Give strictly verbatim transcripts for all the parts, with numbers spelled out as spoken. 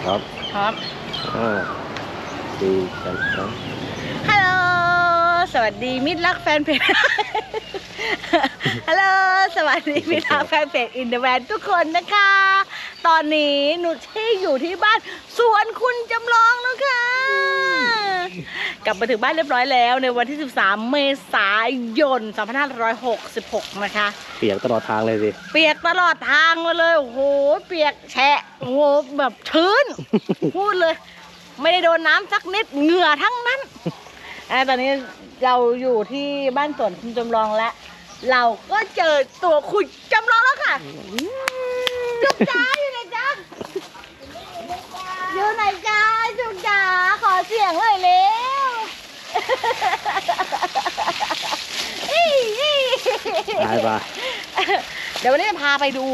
ครับครับอ่าดีกันครับฮัลโหลสวัสดีมิตรรักแฟนเพจ ฮัลโหลสวัสดีมิตรรักแฟนเพจอินเดอะแวนทุกคนนะคะ ตอนนี้หนูที่อยู่ที่บ้านสวนคุณจำลองแล้วค่ะ กลับมาถึงบ้านเรียบร้อยแล้วในวันที่สิบสามเมษายนสองพันห้าร้อยหกสิบหกนะคะเปียกตลอดทางเลยสิเปียกตลอดทางมาเลยโอ้โหเปียกแฉะโอ้โหแบบชื้น พูดเลย ไม่ได้โดนน้ำสักนิดเหงื่อทั้งนั้นอ่าตอนนี้เราอยู่ที่บ้านสวนคุณจำลองแล้ว เราก็เจอตัวคุณจำลองแล้วค่ะจุกจ๋าอยู่ไหนจ๊ะอยู่ไหนจ๊ะจุกจ๋าขอเสียงเลยเร็วตายปะเดี๋ยววันนี้จะพาไปดู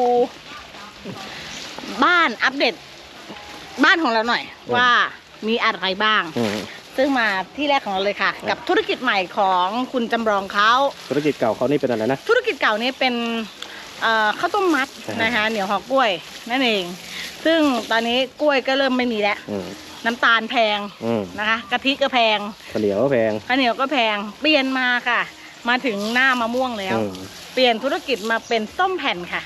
บ้านอัปเดตบ้านของเราหน่อย ว่ามีอะไรบ้าง ซึ่งมาที่แรกของเราเลยค่ะ กับธุรกิจใหม่ของคุณจำลองเขาธุรกิจเก่าเขานี่เป็นอะไรนะธุรกิจเก่านี้เป็นข้าวต้มมัดนะคะเหนียวหอกกล้วยนั่นเอง ซึ่งตอนนี้กล้วยก็เริ่มไม่มีแล้วน้ำตาลแพงนะคะกะทิก็แพงข้าวเหนียวก็แพงข้าวเหนียวก็แพงเปลี่ยนมาค่ะ มาถึงหน้ามะม่วงแล้วเปลี่ยนธุรกิจมาเป็นส้มแผ่นค่ะ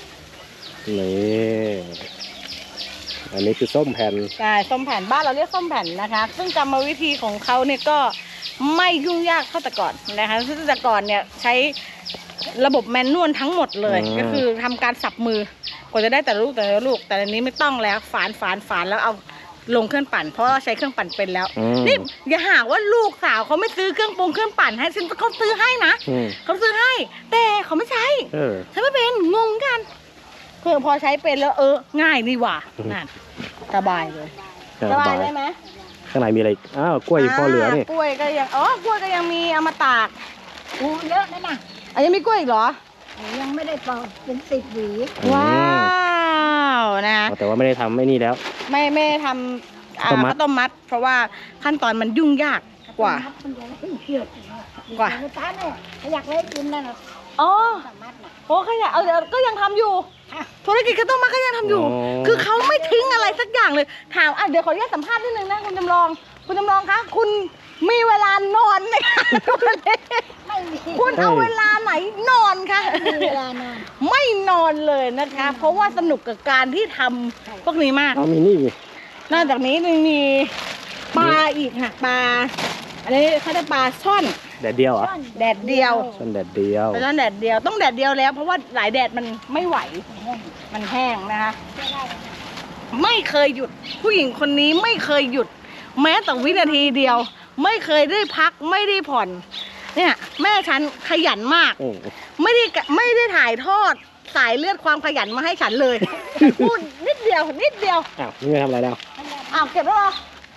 นี่อันนี้คือส้มแผ่นใช่ส้มแผ่นบ้านเราเรียกส้มแผ่นนะคะซึ่งกรรมวิธีของเขาเนี่ยก็ไม่ยุ่งยากเท่าแต่ก่อนนะคะซึ่งแต่ก่อนเนี่ยใช้ระบบแมนนวลทั้งหมดเลยก็คือทำการสับมือกว่าจะได้แต่ลูกแต่ละลูกแต่อันนี้ไม่ต้องแล้วฝานฝานฝานแล้วเอาลงเครื่องปั่นเพราะเราใช้เครื่องปั่นเป็นแล้วนี่อย่าหาว่าลูกสาวเขาไม่ซื้อเครื่องปรุงเครื่องปั่นให้ซึ่งเขาซื้อให้นะเขาซื้อให้แต่เขาไม่ใช้ใช้ไม่เป็นงงกันเพื่อพอใช้เป็นแล้วเออง่ายนี่หว่านั่นสบายเลยสบายได้ไหมข้างในมีอะไรอ้าวกล้วยพอเหลือนี่กล้วยก็ยังอ๋อกล้วยก็ยังมีเอามาตากอู้เยอะนั่นน่ะอันยังมีกล้วยอีกเหรอยังไม่ได้ปอกเป็นสิบหวีว้าวนะแต่ว่าไม่ได้ทำไม่นี่แล้วไม่ไม่ทำข้าวต้มมัดเพราะว่าขั้นตอนมันยุ่งยากกว่ากว่าอยากเล่นกินนั่นอ๋อโอ้ขยะเอาก็ยังทำอยู่ธุรกิจข้าวต้มมัดก็ยังทำอยู่คือเขาไม่ทิ้งอะไรสักอย่างเลยถามอ่ะเดี๋ยวขออนุญาตสัมภาษณ์นิดนึงนะคุณจำลองคุณจำลองคะคุณมีเวลานอนไหมคะไม่มีคุณเอาเวลาไหนนอนคะไม่มีเวลานอนไม่นอนเลยนะคะเพราะว่าสนุกกับการที่ทำพวกนี้มากเอามีนี่นอกจากนี้ยังมีปลาอีกค่ะปลาอันนี้เขาจะปลาช่อนแดดเดียวอ่ะแดดเดียวช่อนแดดเดียวช่อนแดดเดียวต้องแดดเดียวแล้วเพราะว่าหลายแดดมันไม่ไหวมันแห้งนะคะไม่เคยหยุดผู้หญิงคนนี้ไม่เคยหยุดแม้แต่วินาทีเดียวไม่เคยได้พักไม่ได้ผ่อนเนี่ยแม่ฉันขยันมากไม่ได้ไม่ได้ถ่ายทอดสายเลือดความขยันมาให้ฉันเลยพูดนิดเดียวนิดเดียวอ้าวนี่ไม่ทำอะไรแล้วอ้าวเก็บแล้วเหรอ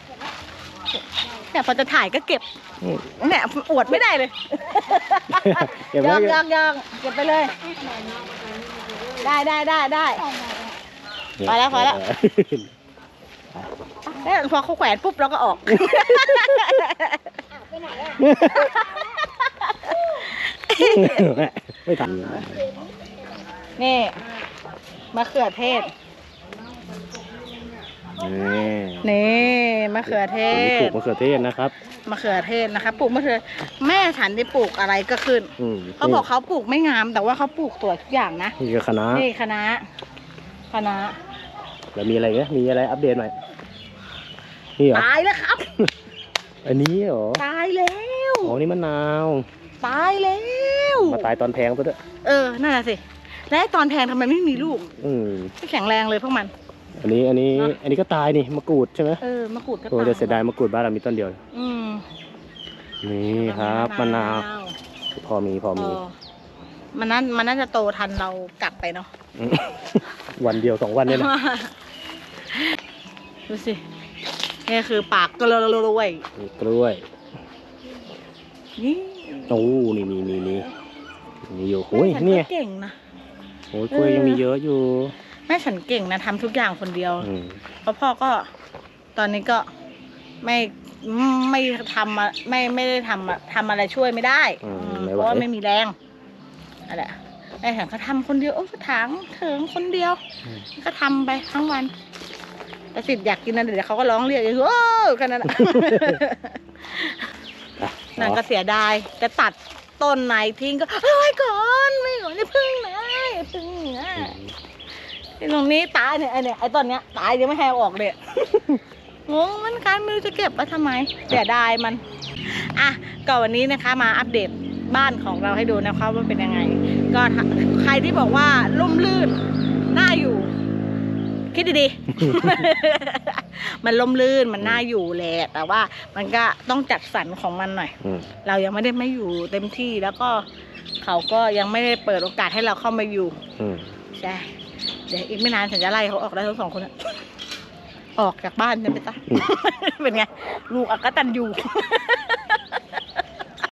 เนี่ยพอจะถ่ายก็เก็บเนี่ยอวดไม่ได้เลยยองยองยองเก็บไปเลยได้ได้ได้ได้พอแล้วพอแล้วเนี่ยพอเขาแขวนปุ๊บเราก็ออกไปไหนอ่ะไม่ทันนี่มะเขือเทศนี่มะเขือเทศปลูกมะเขือเทศนะครับมะเขือเทศนะคะปลูกมะเขือแม่ฉันได้ปลูกอะไรก็ขึ้นเขาบอกเขาปลูกไม่งามแต่ว่าเขาปลูกสวยทุกอย่างนะนี่คือคณะนี่คณะคณะแล้วมีอะไรเงี้ยมีอะไรอัปเดตหน่อยนี่เหรอตายแล้วครับอันนี้เหรอตายแล้วอ๋อนี่มะนาวตายแล้วมาตายตอนแพงซะด้วยเออนั่นแหละสิและตอนแพงทำไมไม่มีลูกไม่แข็งแรงเลยพวกมันอันนี้อันนี้อันนี้ก็ตายนี่มะกรูดใช่ไหมเออมะกรูดก็ตายโอ้จะเสียดายมะกรูดบ้านเรามีต้นเดียวอืมนี่ครับมะนาวพอมีพอมีมันนั้นมันน่าจะโตทันเรากลับไปเนาะวันเดียวสองวันเนี่ยนะดูสินี่คือปากกล้วยกล้วยนี่โอ้นี่มีมีมีมีอยู่โอ้ยนี่เก่งนะโอ้ยกล้วยยังมีเยอะอยู่แม่ฉันเก่งนะทำทุกอย่างคนเดียวเพราะพ่อก็ตอนนี้ก็ไม่ไม่ทำไม่ไม่ได้ทำทำอะไรช่วยไม่ได้เพราะว่าไม่มีแรงอะไรแม่ฉันก็ทำคนเดียวโอ้ก็ถางเถิงคนเดียวก็ทำไปทั้งวันแต่สิทธิ์อยากกินนั่นเดี๋ยวเขาก็ร้องเรียกอย่างโอ้แค่นั้นน่ะ นางก็เสียดายจะตัดต้นไหนทิ้งก็เอาไว้ก่อนไม่หรอกนี่พึ่งนะพึ่งนะไอ้ตรงนี้ตายเนี่ยไอ้เนี่ยไอ้ต้นเนี้ยตายยังไม่ให้เอาออกเลย งงมันกันไม่รู้จะเก็บไว้ทำไมเสียดายมันอ่ะก็วันนี้นะคะมาอัปเดตบ้านของเราให้ดูนะคะว่าเป็นยังไง ก็ใครที่บอกว่าร่มรื่นน่าอยู่ คิดดีๆ มันล่มลื่นมันน่าอยู่แหละแต่ว่ามันก็ต้องจัดสรรของมันหน่อยอืมเรายังไม่ได้ไม่อยู่เต็มที่แล้วก็เขาก็ยังไม่ได้เปิดโอกาสให้เราเข้ามาอยู่อืมใช่เดี๋ยวอีกไม่นานฉันจะไล่เขาออกได้ทั้งสองคนอะออกจากบ้านฉันไปซะ เป็นไงลูกอักตันอยู่